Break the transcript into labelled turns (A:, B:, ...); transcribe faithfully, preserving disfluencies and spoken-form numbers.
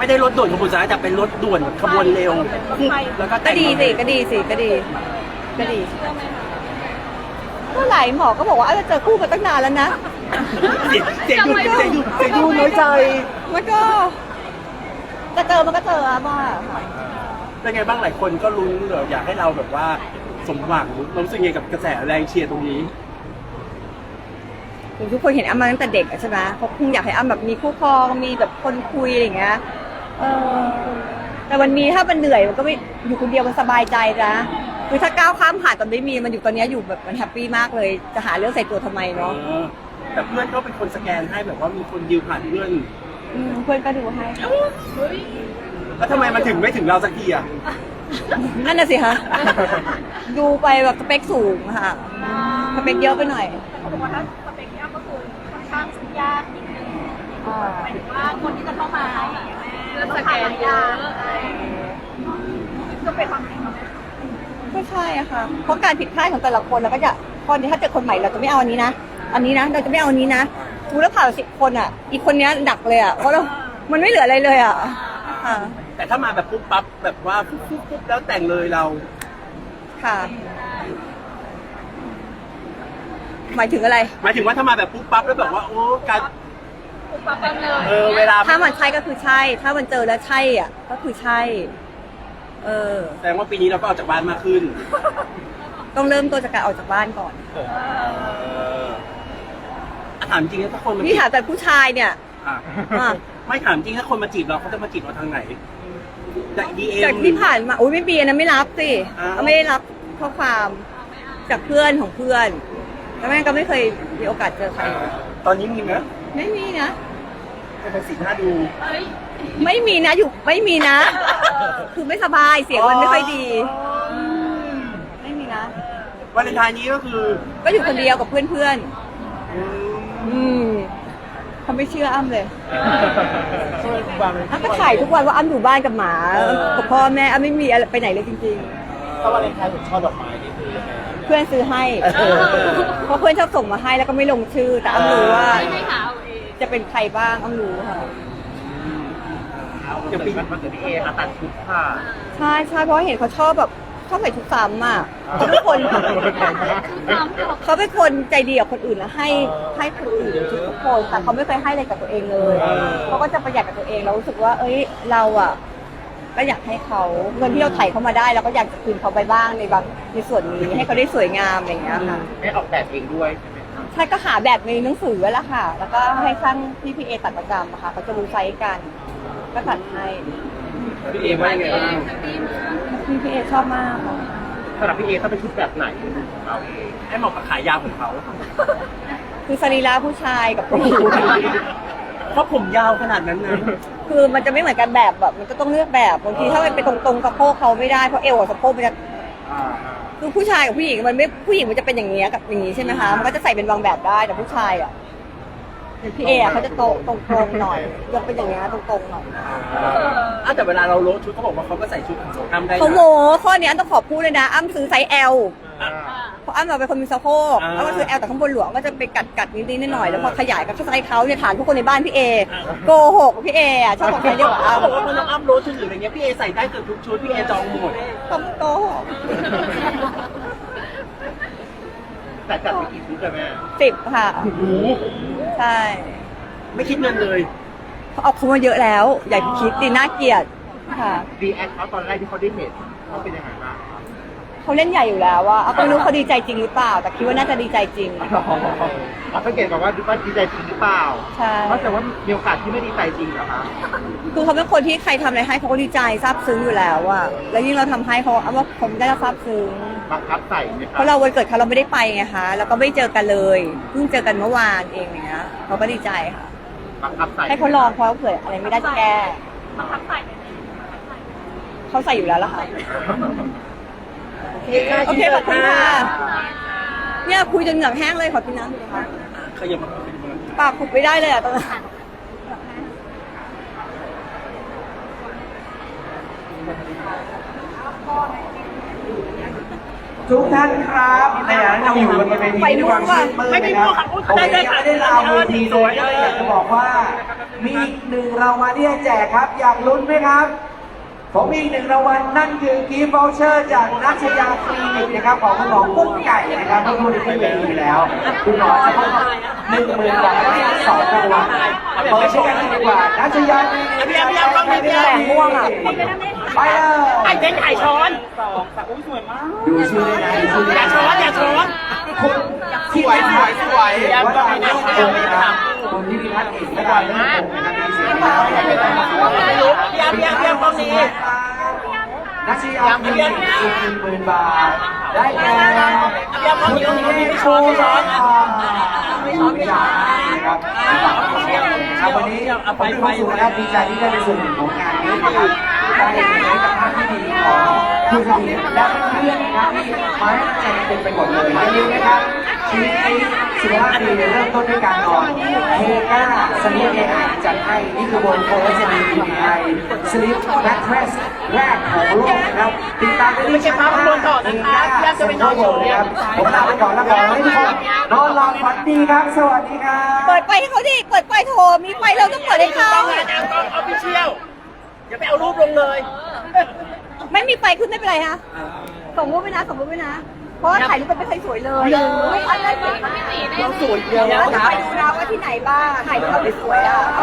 A: ได้รถด่วนขบวนสุดท้ายแต่เป็นรถด่วนขบวนเร็วแล้วก็
B: ก็ดีสิก็ดีสิก็ดีก็ดีก็หลายหมอก็บอกว่าจะเจอคู่กันตั้งนานแล้วนะ
A: เสียงเสียงดูเสียงดูเสียงดูน้อยใจ
B: มันก็จะเจอมันก็เจออะบ้า
A: เป็นไงบ้างหลายคนก็ลุ้นเหรออยากให้เราแบบว่าสมหวังเรารู้สึกไงกับกระแสแรงเชียร์ตรงนี้
B: ทุกคนเห็นอ้ำมาตั้งแต่เด็กใช่ไหมเขาคงอยากให้อ้ำแบบมีคู่ครองมีแบบคนคุยอะไรอย่างเงี้ยเออแต่วันนี้ถ้ามันเหนื่อยมันก็ไม่อยู่คนเดียวมันสบายใจนะคือถ้าก้าวข้ามผ่านตอนไม่มีมันอยู่ตอนนี้อยู่แบบมันแฮปปี้มากเลยจะหาเรื่องใส่ตัวทำไมเนาะ
A: แต่เพื่อนก็เป็นคนสแกนให้แบบว่ามีคนดิวผ่านเพื่อน
B: อืมเพื่อนก็ดูให้
A: แล้วทำไมมันถึงไม่ถึงเราสักทีอ่ะ
B: นั่นน่ะสิคะดูไปแบบสเปคสูงค่ะสเปคเยอะไปหน่อย
C: เขาบอกว่าถ้าสเปคที่อ้ำก็คือค่อนข้างยากนิดนึงหมายถึงว่าคนที่จะเข้ามาแล้วสแกนเยอะก็เป็นความจริง
B: ไม่ใช่อะค่ะเพราะการผิดพลาดของแต่ละคนเราก็จะคนถ้าเจอคนใหม่เราจะไม่เอาอันนี้นะอันนี้นะเราจะไม่เอาอันนี้นะดูแล้วผ่านสิบคนอ่ะอีกคนนี้หนักเลยอ่ะเพราะเรามันไม่เหลืออะไรเลยอ่ะค่ะ
A: แต่ถ้ามาแบบปุ๊บปั๊บแบบว่าปุ๊บปุ๊บปุ๊บแล้วแต่งเลยเรา
B: ค่ะหมายถึงอะไร
A: หมายถึงว่าถ้ามาแบบปุ๊บปั๊บแล้วแบบว่าโอ้การ
C: ปุ๊บปั๊บเลย
A: เออเวลา
B: ถ้ามันใช่ก็คือใช่ ถ้ามันเจอแล้วใช่อ่ะก็คือใช่ เออ
A: แสดงว่าปีนี้เราก็ออกจากบ้านมากขึ้น
B: ต้องเริ่มตัวจากการออกจากบ้านก่อน
A: เอออ่ะถามจริงนะถ้าคนมา
B: นี่ถามแต่ผู้ชายเนี่ย
A: อ่ะ
B: อ่ะ
A: ไม่ถามจริงถ้าคนมาจีบเราเขาจะมาจีบเราทางไหนจากดีเอ็ม
B: จากที่ผ่านมาโอ้ยไม่มีนะไม่รับสิ
A: อ้าว
B: ก็ไม่ได้รับข้อความจากเพื่อนของเพื่อนแล้วแม่ก็ไม่เคยมีโอกาสเจอใคร
A: ตอนนี้มีไหม
B: ไม่มีนะ
A: เป็นสีหน้าดู
B: ไม่มีนะอยู่ไม่มีนะ คือไม่สบายเสียงมันไม่ค่อยดี ไม่มีนะ
A: วันเลนไทน์นี้ก็คือ
B: ก็อยู่คนเดียวกับเพื่อน
A: อืม
B: ๆอืมเขาไม่เชื่ออ้ำเลย
A: ช่วยคุณบางเลย
B: อ้ำก็ถ่ายทุกวันว่าอ้ำอยู่บ้านกับหมากับพ่อแม่อ้ำไม่มีอะไรไปไหนเลยจริง
A: ถ้าวันเลนไทน์ผมชอบดอกไม้นี่คือยังไง
B: ๆ เพื่อนซื้อให้ เพราะเพื่อนชอบส่งมาให้แล้วก็ไม่ลงชื่อ แต่อ้ำรู้ว่า
C: ไม่หาเอาเอง
B: จะเป็นใครบ้างอ้ำรู้ค่ะ
A: อย่างปีมันเกิดพี่เอค่ะตัดชุดค่ะ
B: ใช่ใช่เพราะเห็นเขาชอบแบบชอบใส่ชุดซ้ำอ่ะเขาเป็นคน เขาเป็นคนใจดีกับคนอื่นแล้วให้ให้คนอื่นทุกคนแต่เขาไม่เคยให้อะไรกับตัวเองเลยเขาก็จะประหยัดกับตัวเองเรารู้สึกว่า เอ้ยเราอ่ะก็อยากให้เขาเงินที่เราไถ่เขามาได้เราก็อยากจะคืนเขาไปบ้างในบางในส่วนนี้ให้เขาได้สวยงามอะไรอย่างเงี้ยค่ะ
A: ให้ออกแบบเองด้วยใช่ไหมครับ
B: ใช่ก็หาแบบในหนังสือแล้วค่ะ แล้วก็ให้ช่างที่พีเอตัดประจำอะค่ะเขาจะรู้ไซส์กันก็ตัดให้
A: พี่เอว่ายังไงบ้าง
B: พี่พีเอชอบมากค่ะ
A: สำหรับพี่เอต้องเป็นชุดแบบไหนของเราเองให้เหมาะกับขายาวของเขา
B: คือสรีระผู้ชายกับผู้หญิง
A: เพราะผมยาวขนาดนั้นนะ
B: คือมันจะไม่เหมือนกันแบบแบบมันก็ต้องเลือกแบบบางทีถ้ามันไปตรงๆกับโพกเขาไม่ได้เพราะเอวกับสะโพกมันจะคือผู้ชายกับผู้หญิงมันไม่ผู้หญิงมันจะเป็นอย่างนี้ยกับอย่างนี้ใช่ไหมคะมันก็จะใส่เป็นบางแบบได้แต่ผู้ชายอ่ะอย่างพี่เออะเขาจะตรงตรงๆหน่อยยกเป็นอย่างเงี้ยตรงๆหน่อย
A: อ่ะแต่เวลาเราโลดชุดเขาบอกว่าเขาก็ใส่ชุดของอ้ำได้นะ
B: เขาโมข้อนี้อ้ำต้องขอพูดเลยนะอ้ำซื้อไซส์ L เพราะอ้ำเราเป็นคนมีสะโพกอ้ำก็ซื้อ L แต่ข้างบนหลวงก็จะไปกัดกัดนิดๆหน่อยๆแล้วพอขยายกับไซส์เขาเนี่ยฐานทุกคนในบ้านพี่เอโกหกพี่เออะชอบบอกใครเรียกว่า
A: เขา
B: อ้ำ
A: บอกว่าพอน้องอ้ำโลดชุดหรืออะไรเงี้ยพี่เอใส่ได้เกือบทุกชุดพี่เอจองหมด
B: ต้องโกหก
A: แต่จัดไปกี่ชุดอะแม่
B: สิบค่ะ
A: โอ้โห
B: ใช่
A: ไม่คิดเงินเลย
B: เขาเอาเขามาเยอะแล้ว อย่าคิดดิน่าเกลียดค่ะ
A: รีแอคเขาตอนแรกที่เขาได้เห็นเขาเป็นยังไงบ้าง
B: เขาเล่นใหญ่อยู่แล้วว่าเอาไม่รู้เขาดีใจจริงหรือเปล่า แต่คิดว่าน่าจะดีใจจริง
A: เราสังเกตก่อนว่าว่าดีใจจริงหรือเปล่า
B: ใช่
A: เพราะแต่ว่ามีโอกาสที่ไม่ดีใจจริงเหรอคะ
B: คือเขาเป็นคนที่ใครทำอะไรให้เขาก็ดีใจซาบซึ้งอยู่แล้วอะแล้วยิ่งเราทำให้เขาเอาว่าเขาได้รับซาบซึ้ง
A: บังคับใส่ไหมค
B: เพ
A: รับ
B: ราะเราวันเกิดเขาเราไม่ได้ไปไงคะแล้วก็ไม่เจอกันเลยเพิ่งเจอกันเมื่อวานเองอย่างเงี้ยเขาก็ดีใจค่ะ
A: บังคับใส่
B: ให้เขาลองเพราะเผื่ออะไรไม่ได้จะแก้
C: บังคับใส่ไหม
B: เขาใส่อยู่แล้วล่ะค่ะ
A: โอเคค่ะ
B: โอเคขอบคุณค่ะเนี่ยคุยจนเหงือกแห้งเลยขอกินน้ำหน่อยนะคะ
A: ขยับมาขยับมา
B: ปากขุดไม่ได้เลยอะตอนนั้น
D: ทุกท่านครับในฐานะเราอยู่บนเวทีด้วยความชื่นมื่นนะครับผมเองไม่ได้ลาเวทีเลยก็เลยอยากจะบอกว่ามีอีกหนึ่งรางวัลที่จะแจกครับ อยากลุ้นไหมครับ ผมมีอีกหนึ่งรางวัลนั่นคือกิฟต์วอเชอร์จากนัชยาคลินิกนะครับของคุณหมอกุ้งไก่นะครับที่พูดในที่เวทีแล้วคุณหมอจะมอบหนึ่งหมื่นบาทให้สองรางวัลเปิดชื่อกันเลยดีกว่านัชยาคลินิก
A: พี่แอมพี่แอมต้องมีพี่แอมม่วงอ่ะ
D: ไปเลย
A: ไอ้เจ๊ไข่ช้อน
D: ดูชื่อได้นะดูชื่อ
A: อย่า
D: ได้
A: ช้อนอย่าช้อน
D: คุณที่ไหนสวยสวยว่าตอนนี้คุณนะครับคุณที่มีพัฒน์เอกนะครับที่ผมนะครับที่เสียงมา
A: พี่แอมพี่แอมพี่แอมต้องมี
D: นัชยาคลินิกอีกหนึ่งหมื่นบาทได้แก่
A: พี่แอมต้องมีต้องมีไม่ช้อนไม่ช้อน
D: ไม่ช้อนไม่ช้อนนะครับครับวันนี้ผมมีความสุขนะครับดีใจที่ได้เป็นส่วนหนึ่งของงานนี้นะครับได้เห็นมิตรภาพที่ดีของผู้สนิทและเพื่อนๆนะครับที่มาให้กำลังใจกันเต็มไปหมดเลยอย่าลืมนะครับชีวิตนี้สุขภาพดีเริ่มต้นด้วยการนอนเฮก้าสลิปเอไอจัดให้นี่คือวงโคสลิปเอไอสลิปแมทเทรสแรกของโลกนะครับติดตามได้ที่ช่องทางเฮก้าเซ็นทรัลเวิลด์นะครับผมลาไปก่อนแล้วขอให้ทุกคนนอนหลับฝันดีครับสวัสดีครับ
B: เปิดไฟให้เขาดิ เปิดไฟโทร มีไฟเราต้องเปิดให้เขา
A: ต้องอาจารย์ต้องเอาพี่เชี่ยวอย่าไปเอารูปลงเลย
B: ไม่มีไฟขึ้นไม่เป็นไรฮะส่งรูปไปนะส่งรูปไปนะ เพราะว่าถ่ายรูปมันไม่เคยสวยเลยไม่ทันได้สวย
A: เราสวยเดียว
B: แล้ว
A: นะ
B: จะไปดูนะว่าที่ไหนบ้างถ่ายรูปเราไม่สวยอ่ะ